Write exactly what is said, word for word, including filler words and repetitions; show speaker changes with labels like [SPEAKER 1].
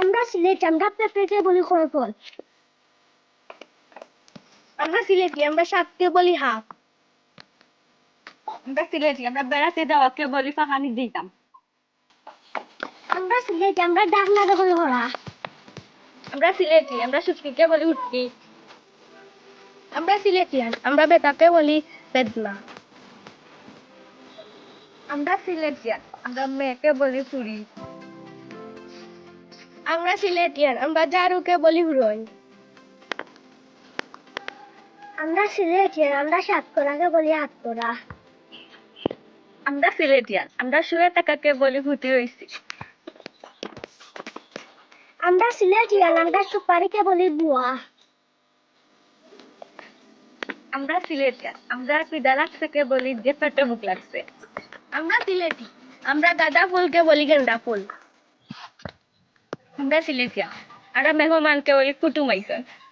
[SPEAKER 1] আমরা সিলেটি আমরা পেঁপেকে বলি খরফল। আমরা সিলেটি আমরা শাককে বলি হাক।
[SPEAKER 2] আমরা সিলেটি আমরা বেড়াতে যাওয়াকে বলি ফাঁকানি দিতাম।
[SPEAKER 1] আমরা সিলেটি আমরা ডাকনাকে বলি হরা।
[SPEAKER 2] আমরা সিলেটি আমরা শুটকিকে বলি উটকি।
[SPEAKER 1] আমরা সিলেটিয়ান আমরা বেতাকে বলি বেদনা।
[SPEAKER 2] আমরা সিলেটিয়ান আমরা মেয়েকে বলি ফুরি।
[SPEAKER 1] আমরা সিলেটিয়ান আমরা জারুকে বলি হুরই। আমরা সিলেটিয়ান আমরা সাতকরাকে বলি আটকরা।
[SPEAKER 2] আমরা সিলেটিয়ান আমরা শুয়ে থাকাকে বলি ভূতি হইছি।
[SPEAKER 1] আমরা সিলেটিয়ান আমরা সুপারিকে বলি বুয়া।
[SPEAKER 2] আমরা সিলেটিয়ান আমরা পিদা লাগছে বলি যে পেটে মুখ লাগছে।
[SPEAKER 1] আমরা সিলেটি আমরা গাঁদা ফুলকে বলি গেন্দা ফুল।
[SPEAKER 2] আমরা সিলেটিয়ান আমরা মেহমানকে বলি কুটুম আইছে।